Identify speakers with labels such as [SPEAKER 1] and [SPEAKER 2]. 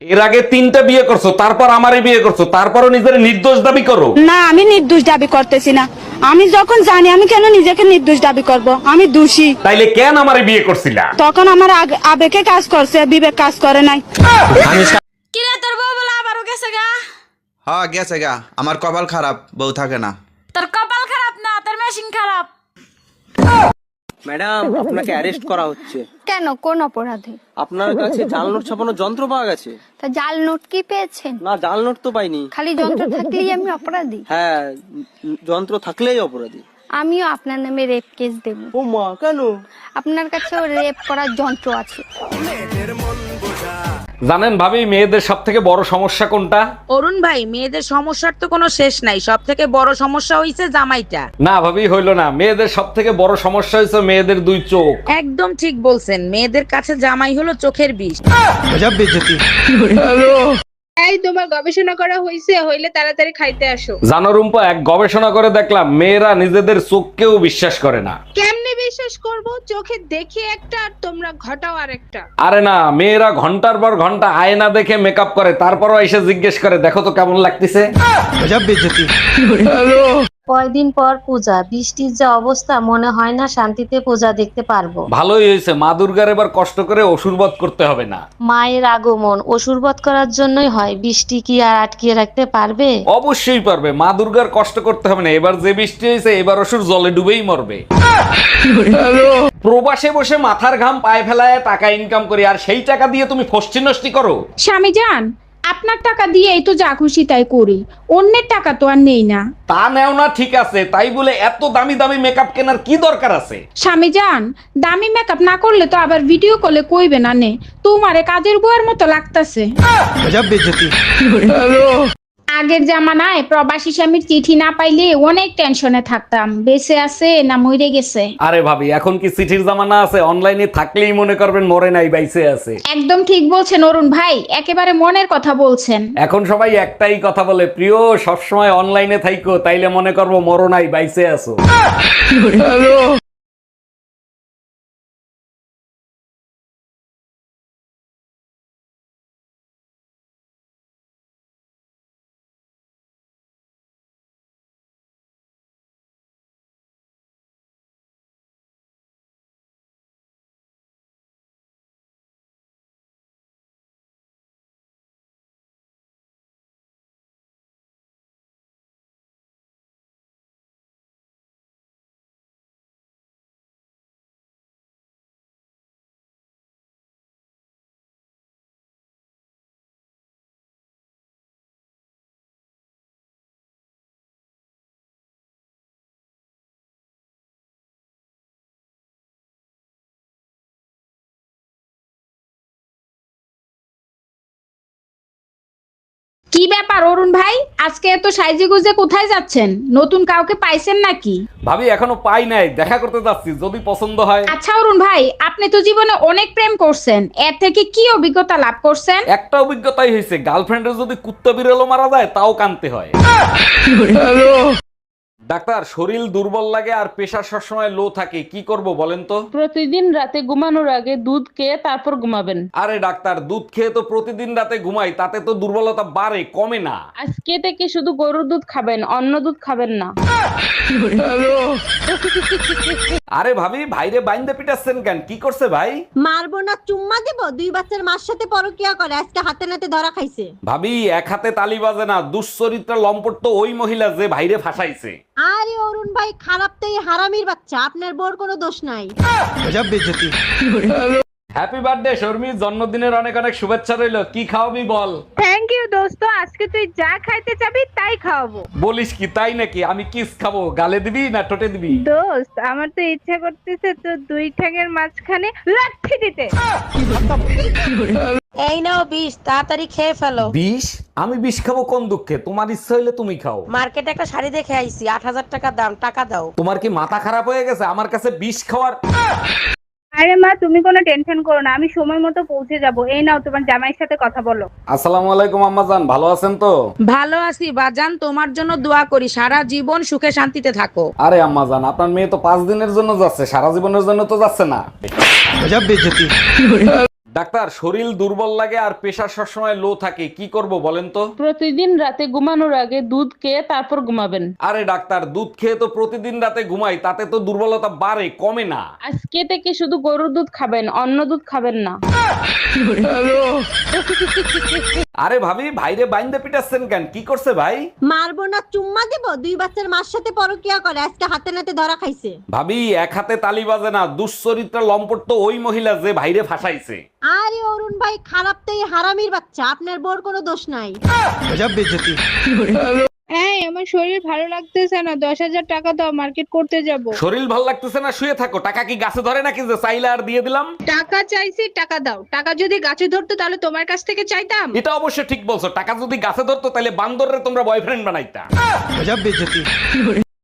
[SPEAKER 1] এর আগে 3টা বিয়ে করছো, তারপর আমারে বিয়ে করছো, তারপরও নিজের নির্দোষ দাবি করো।
[SPEAKER 2] না, আমি নির্দোষ দাবি করতেছি না। আমি যখন জানি, আমি কেন নিজেকে নির্দোষ দাবি করব? আমি দোষী।
[SPEAKER 1] তাইলে কেন আমারে বিয়ে করছিলা?
[SPEAKER 2] তখন আমার আবেগে কাজ করছে, বিবেক কাজ করে নাই।
[SPEAKER 3] কিরে তোর বউ বলে আবারও গেছে গা?
[SPEAKER 4] হ্যাঁ গেছে গা, আমার কপাল খারাপ, বউ থাকে না।
[SPEAKER 3] তোর কপাল খারাপ না, তোর মেশিন খারাপ।
[SPEAKER 5] ম্যাডাম, আপনাকে অ্যারেস্ট করা হচ্ছে।
[SPEAKER 6] কেন, কোন অপরাধে?
[SPEAKER 5] আপনার কাছে জাল নোট ছাপানোর যন্ত্র পাওয়া গেছে।
[SPEAKER 6] তা জাল নোট কি পেয়েছেন?
[SPEAKER 5] না, জাল নোট তো পাইনি।
[SPEAKER 6] খালি যন্ত্র থাকলেই আমি অপরাধী?
[SPEAKER 5] হ্যাঁ, যন্ত্র থাকলেই অপরাধী।
[SPEAKER 6] আমিও আপনার নামে রেপ কেস দেব।
[SPEAKER 5] ও মা, কেন?
[SPEAKER 6] আপনার কাছেও রেপ করার যন্ত্র আছে।
[SPEAKER 1] জানেন ভাবি, মেয়েদের সব থেকে বড় সমস্যা কোনটা?
[SPEAKER 7] অরুণ ভাই, মেয়েদের সমস্যার তো কোনো শেষ নাই, সব থেকে বড় সমস্যা হইছে জামাইটা।
[SPEAKER 1] না ভাবি, হইলো না। মেয়েদের সব থেকে বড় সমস্যা হয়েছে মেয়েদের 2 চোখ।
[SPEAKER 7] একদম ঠিক বলছেন, মেয়েদের কাছে জামাই হলো চোখের বিষ।
[SPEAKER 8] এই তোমার গবেষণা করা হইলে তাড়াতাড়ি খাইতে আসো।
[SPEAKER 1] জানো রুম্পা, এক গবেষণা করে দেখলাম মেয়েরা নিজেদের চোখকেও বিশ্বাস করে না।
[SPEAKER 8] কেমনে বিশ্বাস করব? চোখে দেখি একটা আর তোমরা ঘটাও আরেকটা।
[SPEAKER 1] আরে না, মেয়েরা ঘন্টার পর ঘন্টা আয়না দেখে মেকআপ করে, তারপরও এসে জিজ্ঞেস করে দেখো তো কেমন লাগতেছে।
[SPEAKER 9] কয়দিন পর পূজা, বৃষ্টির যা অবস্থা, মনে হয় না শান্তিতে পূজা দেখতে পারবো।
[SPEAKER 1] ভালোই হয়েছে, মা দুর্গার এবার কষ্ট করে অসুর বধ করতে হবে না।
[SPEAKER 9] মায়ের আগমন অসুরবধ করার জন্যই হয়, বৃষ্টি কি আর আটকিয়ে রাখতে পারবে?
[SPEAKER 1] অবশ্যই পারবে, মা দুর্গার কষ্ট করতে হবে না। এবার যে বৃষ্টি হয়েছে, এবার অসুর জলে ডুবেই মরবে। প্রবাসে বসে মাথার ঘাম পায়ে ফেলায় টাকা ইনকাম করি, আর সেই টাকা দিয়ে তুমি ফষ্টি নষ্টি করো।
[SPEAKER 8] স্বামী জান, আপনার টাকা দিয়েই তো যা খুশি তাই করি, অন্যের টাকা তো আর নেই না।
[SPEAKER 1] তা নেও না ঠিক আছে, তাই বলে এত দামি দামি মেকআপ কেনার কি দরকার আছে?
[SPEAKER 8] স্বামী জান, দামি মেকআপ না করলে তো আবার ভিডিও কলে কইবে না নে, তোমারে কাজের বুয়ার মতো লাগতাছে। আগের জামানায় প্রবাসী স্বামীর চিঠি না পাইলে অনেক টেনশনে থাকতাম, বেঁচে আছে না মরে গেছে।
[SPEAKER 1] আরে ভাবি, এখন কি চিঠির জামানা আছে? অনলাইনে থাকলেই মনে করবেন মরে নাই, বাইসে আছে।
[SPEAKER 8] একদম ঠিক বলছেন অরুণ ভাই, একেবারে মনের কথা বলছেন।
[SPEAKER 1] এখন সবাই একটাই কথা বলে, প্রিয় সবসময় অনলাইনে থাইকো, তাইলে মনে করবো মরো নাই, বাইসে আছো।
[SPEAKER 8] কি ব্যাপার অরুণ ভাই, আজকে এত সাইজে গুজে কোথায় যাচ্ছেন? নতুন কাউকে পাইছেন নাকি?
[SPEAKER 1] ভাবি, এখনো পাই নাই, দেখা করতে যাচ্ছি, যদি পছন্দ হয়।
[SPEAKER 8] আচ্ছা অরুণ ভাই, আপনি তো জীবনে অনেক প্রেম করছেন, এর থেকে কি অভিজ্ঞতা লাভ করছেন?
[SPEAKER 1] একটা অভিজ্ঞতাই হয়েছে, গার্লফ্রেন্ডের যদি কুত্তা বিড়ালও মারা যায় তাও কানতে হয়। ডাক্তার, শরীর দুর্বল লাগে আর প্রেশার সবসময় লো থাকে, কি করব বলেন তো?
[SPEAKER 10] প্রতিদিন রাতে ঘুমানোর আগে দুধ খেয়ে তারপর ঘুমাবেন।
[SPEAKER 1] আরে ডাক্তার, দুধ খেয়ে তো প্রতিদিন রাতে ঘুমাই, তাতে তো দুর্বলতা বাড়ে, কমে না।
[SPEAKER 10] আজকে থেকে শুধু গরুর দুধ খাবেন, অন্য দুধ খাবেন না।
[SPEAKER 1] আরে ভাবি, ভাইরে বাইন্দে পিটাচ্ছেন কেন? কি করছে ভাই?
[SPEAKER 3] মারবো না, চুম্মা দেব? 2 বাচ্চার মার সাথে পরকিয়া করে, আজকে হাতে নাতে ধরা খাইছে।
[SPEAKER 1] ভাবি, এক হাতে তালি বাজে না, দুশ্চরিত্রা লম্পট তো ওই মহিলা যে ভাইরে ফাঁসাইছে।
[SPEAKER 3] আরে অরুণ ভাই, খারাপ তো এই হারামির বাচ্চা, আপনার বোর কোনো দোষ নাই।
[SPEAKER 1] হ্যাপি বার্থডে শর্মি, জন্মদিনের অনেক অনেক শুভেচ্ছা রইলো। কি খাওয়াবি বল?
[SPEAKER 8] থ্যাংক ইউ দোস্ত, আজকে তুই যা খাইতে চাবি তাই খাওয়াবো।
[SPEAKER 1] বলিস কি, তাই নাকি? আমি কিস খাবো, গালে দিবি না ঠোঁটে দিবি?
[SPEAKER 8] দোস্ত, আমার তো ইচ্ছা করতেছে তো 2 ঠ্যাঙের মাঝখানে লাথি দিতে।
[SPEAKER 7] এই নাও বিষ, তাড়াতাড়ি খেয়ে ফেলো।
[SPEAKER 1] বিষ? আমি বিষ খাবো কোন দুঃখে? তোমার ইচ্ছা হইলে তুমি খাও।
[SPEAKER 7] মার্কেটে একটা শাড়ি দেখে আইছি, 8,000 টাকা দাম, টাকা দাও।
[SPEAKER 1] তোমার কি মাথা খারাপ হয়ে গেছে আমার কাছে বিষ খাওয়ার?
[SPEAKER 8] আরে মা, তুমি কোনো টেনশন করো না, আমি সময় মতো পৌঁছে যাব। এই নাও, তোমার জামাইয়ের সাথে কথা বলো।
[SPEAKER 1] আসসালামু আলাইকুম আম্মা জান, ভালো আছেন তো?
[SPEAKER 7] ভালো আছি বাজান, তোমার জন্য দোয়া করি, সারা জীবন সুখে শান্তিতে থাকো।
[SPEAKER 1] আরে আম্মা জান, আপনার মেয়ে তো 5 দিনের জন্য যাচ্ছে, সারা জীবনের জন্য তো যাচ্ছে না। ডাক্তার, শরীর দুর্বল লাগে আর প্রেশার সবসময় লো থাকে, কি করব বলেন তো?
[SPEAKER 10] প্রতিদিন রাতে ঘুমানোর আগে দুধ খেয়ে তারপর ঘুমাবেন।
[SPEAKER 1] আরে ডাক্তার, দুধ খেয়ে তো প্রতিদিন রাতে ঘুমাই, তাতে তো দুর্বলতা বাড়ে, কমে না।
[SPEAKER 10] আজকে থেকে শুধু গরুর দুধ খাবেন, অন্য দুধ খাবেন না।
[SPEAKER 1] আরে ভাবি, ভাইরে বাইন্দে পিটাচ্ছেন কেন? কি করছে ভাই?
[SPEAKER 3] মারবো না চুম্মা দেবো, দুই বাচ্চার মার সাথে পরকিয়া করে আজকে হাতে নাতে ধরা খাইছে।
[SPEAKER 1] ভাবি, এক হাতে তালি বাজে না, দুশ্চরিত্রা লম্পট তো ওই মহিলা যে ভাইরে ফাঁসাইছে।
[SPEAKER 3] আরে অরুণ ভাই, খারাপ তো এই হারামির বাচ্চা, আপনার বোর কোনো দোষ নাই।
[SPEAKER 8] এই আমার শরীর ভালো লাগতেছে না, 10,000 টাকা দাও, মার্কেট করতে যাব।
[SPEAKER 1] শরীর ভাল লাগতেছে না, শুয়ে থাকো। টাকা কি গাছে ধরে নাকি যে চাইলে আর দিয়ে দিলাম?
[SPEAKER 8] টাকা চাইছি, টাকা দাও। টাকা যদি গাছে ধরতো তাহলে তোমার কাছ থেকে চাইতাম।
[SPEAKER 1] এটা অবশ্য ঠিক বলছো, টাকা যদি গাছে ধরতো তাহলে বান্দররে তোমরা বয়ফ্রেন্ড বানাইতা।